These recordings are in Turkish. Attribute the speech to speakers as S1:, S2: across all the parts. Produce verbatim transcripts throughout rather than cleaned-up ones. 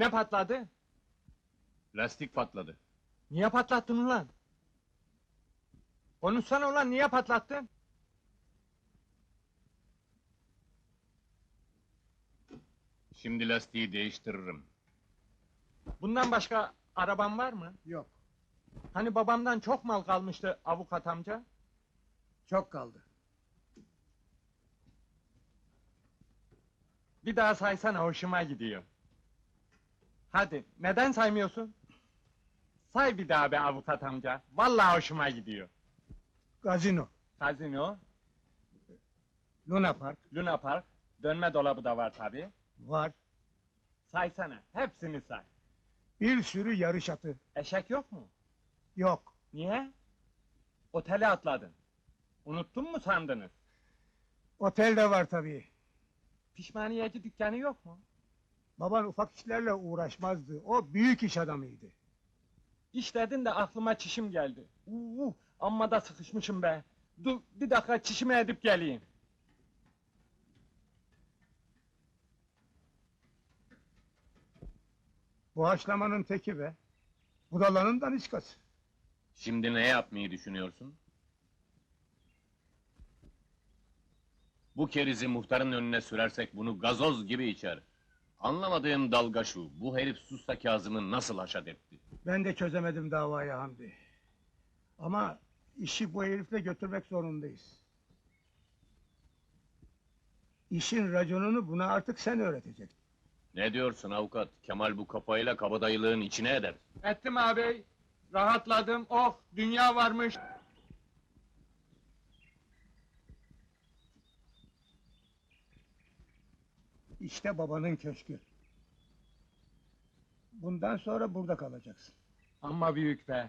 S1: Ne patladı?
S2: Lastik patladı.
S1: Niye patlattın ulan? Konuşsana ulan, niye patlattın?
S2: Şimdi lastiği değiştiririm.
S1: Bundan başka araban var mı?
S3: Yok,
S1: Hani babamdan çok mal kalmıştı avukat amca?
S3: çok kaldı.
S1: Bir daha saysana, hoşuma gidiyor. Hadi, neden saymıyorsun? Say bir daha be avukat amca, vallahi hoşuma gidiyor.
S3: Gazino,
S1: Kazino,
S3: Luna Park
S1: Luna Park, dönme dolabı da var tabi.
S3: var.
S1: Saysana, hepsini say.
S3: Bir sürü yarış atı.
S1: Eşek yok mu?
S3: Yok.
S1: Niye? Otele atladın. Unuttun mu sandınız?
S3: Otel de var tabii.
S1: Pişmaniyeci dükkanı yok mu?
S3: Baban ufak işlerle uğraşmazdı. O büyük iş adamıydı.
S1: İş dedin de aklıma çişim geldi. Uuu, amma da sıkışmışım be. Dur, bir dakika çişimi edip geleyim.
S3: Bu haşlamanın teki be. Budalanın daniskası.
S2: Şimdi ne yapmayı düşünüyorsun? Bu kerizi muhtarın önüne sürersek bunu gazoz gibi içer. Anlamadığım dalga şu, bu herif Susta Kazım'ı nasıl haşat etti?
S3: Ben de çözemedim davayı Hamdi. Ama işi bu herifle götürmek zorundayız. İşin raconunu buna artık sen öğreteceksin.
S2: Ne diyorsun avukat? Kemal bu kafayla kabadayılığın içine eder.
S1: Ettim ağabey. Rahatladım. Oh, dünya varmış.
S3: İşte babanın köşkü. Bundan sonra burada kalacaksın.
S1: Amma büyük be.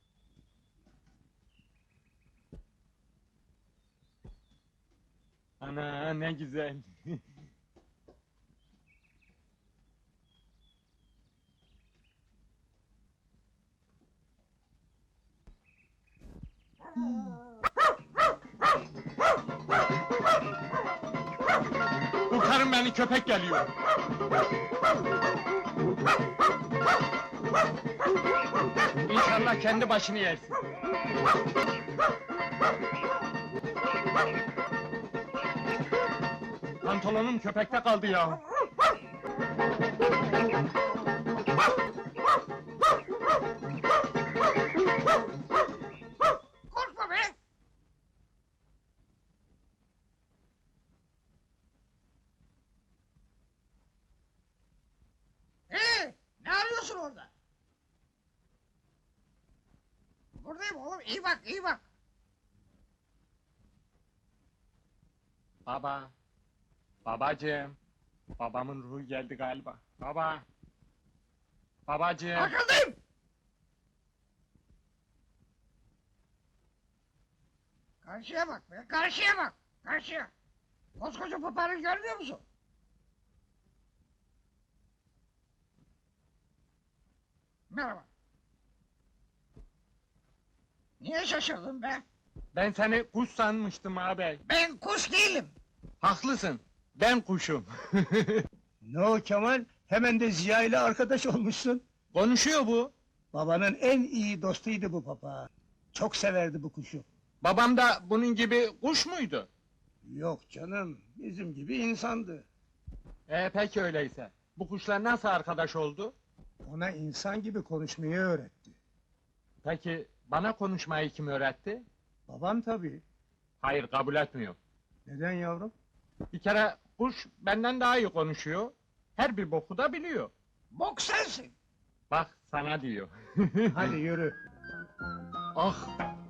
S1: Ana ne güzel. Kurtarın beni, köpek geliyor. İnşallah kendi başını yersin. Pantolonum köpekte kaldı ya.
S4: Korkma be! Ee, ne arıyorsun orada? Buradayım oğlum, iyi bak, iyi bak.
S1: Baba. Babacığım. Babamın ruhu geldi galiba. Baba. Babacığım.
S4: Arkandayım! Karşıya bak be, karşıya bak, karşıya. Koskoca papağanı görmüyor musun? Merhaba. Niye şaşırdın be?
S1: Ben seni kuş sanmıştım ağabey.
S4: Ben kuş değilim.
S1: Haklısın. Ben kuşum.
S3: Ne o Kemal? Hemen de Ziya ile arkadaş olmuşsun.
S1: Konuşuyor bu.
S3: Babanın en iyi dostuydu bu papağan. Çok severdi bu kuşu.
S1: Babam da bunun gibi kuş muydu?
S3: Yok canım, bizim gibi insandı.
S1: Ee peki öyleyse. Bu kuşlar nasıl arkadaş oldu?
S3: Ona insan gibi konuşmayı öğretti.
S1: Peki bana konuşmayı kim öğretti?
S3: Baban tabii.
S1: Hayır, kabul etmiyor.
S3: Neden yavrum?
S1: Bir kere kuş benden daha iyi konuşuyor. Her bir boku da biliyor.
S4: Bok sensin.
S1: Bak sana diyor.
S3: Hadi yürü.
S1: Ah!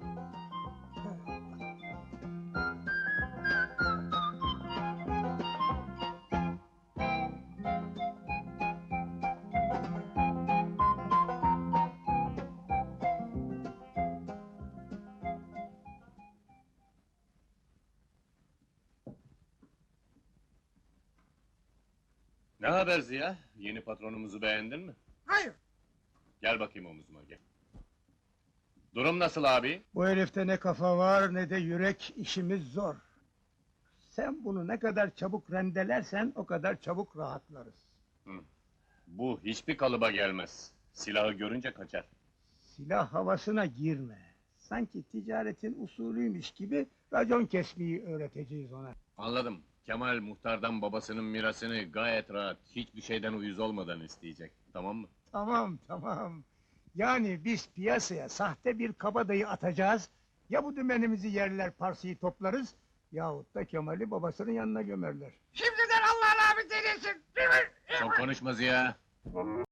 S2: Ne haber Ziya? Yeni patronumuzu beğendin mi?
S4: Hayır,
S2: Gel bakayım omuzuma gel. Durum nasıl abi?
S3: Bu herifte ne kafa var ne de yürek, işimiz zor. Sen bunu ne kadar çabuk rendelersen o kadar çabuk rahatlarız.
S2: Bu hiçbir kalıba gelmez. Silahı görünce kaçar.
S3: Silah havasına girme. Sanki ticaretin usulüymüş gibi racon kesmeyi öğreteceğiz ona.
S2: Anladım. Kemal muhtardan babasının mirasını gayet rahat, hiçbir şeyden uyuz olmadan isteyecek. Tamam mı?
S3: Tamam, tamam. Yani biz piyasaya sahte bir kabadayı atacağız. Ya bu dümenimizi yerler, parsayı toplarız... ...yahut da Kemal'i babasının yanına gömerler.
S4: Şimdiden Allah'ın abi delisin. Değil mi?
S2: Çok konuşma Ziya.